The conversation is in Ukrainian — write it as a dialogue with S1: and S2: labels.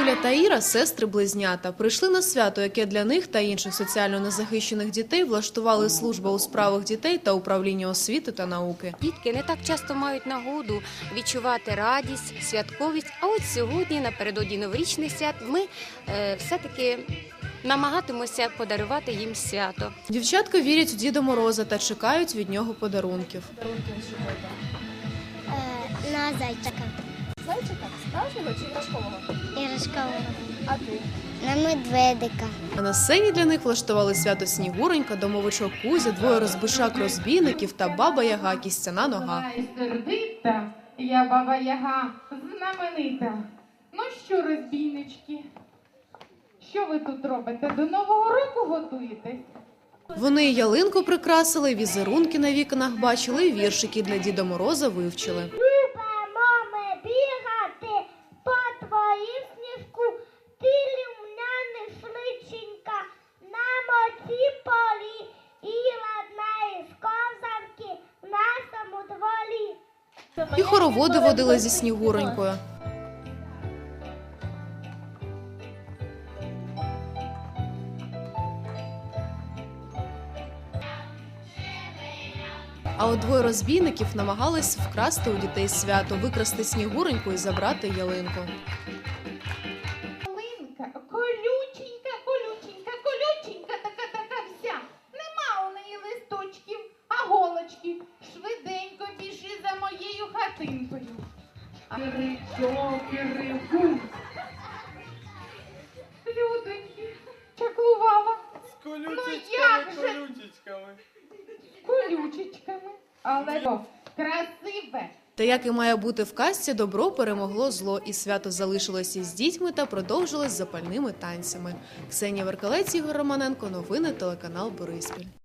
S1: Юля та Іра – сестри-близнята. Прийшли на свято, яке для них та інших соціально незахищених дітей влаштували Служба у справах дітей та Управління освіти та науки.
S2: Дітки не так часто мають нагоду відчувати радість, святковість. А от сьогодні, напередодні новорічних свят, ми все-таки намагатимося подарувати їм свято.
S1: Дівчатка вірять у Діда Мороза та чекають від нього подарунків.
S3: На зайчика.
S4: Зайчика? Справжнього чи іграшкового?
S3: Іграшкового.
S4: А ти?
S3: На медведика.
S1: А на сцені для них влаштували свято Снігуренька, домовичок Кузя, двоє розбишак-розбійників та баба Яга, кістяна нога.
S5: Я сердита, я баба Яга, знаменита. Ну що, розбійнички, що ви тут робите? До Нового року готуєтесь?
S1: Вони і ялинку прикрасили, візерунки на вікнах бачили, і віршики для Діда Мороза вивчили.
S3: Любимо ми бігати по твоїм сніжку, ти лімняний шличенька, на моці полі, і ладна із козанки в нашому дворі.
S1: І хороводи водили зі Снігуренькою. А от двоє розбійників намагались вкрасти у дітей свято, викрасти Снігуреньку і забрати ялинку.
S5: Ялинка, колюченька, колюченька, колюченька, така вся. Нема у неї листочків, а голочки. Швиденько біжи за моєю хатинкою. Киричок. Людоньки, чаклувала.
S6: З колючечками,
S5: як же?
S6: колючечками.
S5: Колючечками, але красиве.
S1: Та як і має бути в казці, добро перемогло зло, і свято залишилося із дітьми та продовжилось запальними танцями. Ксенія Веркалець, Ігор Романенко, новини, телеканал Бориспіль.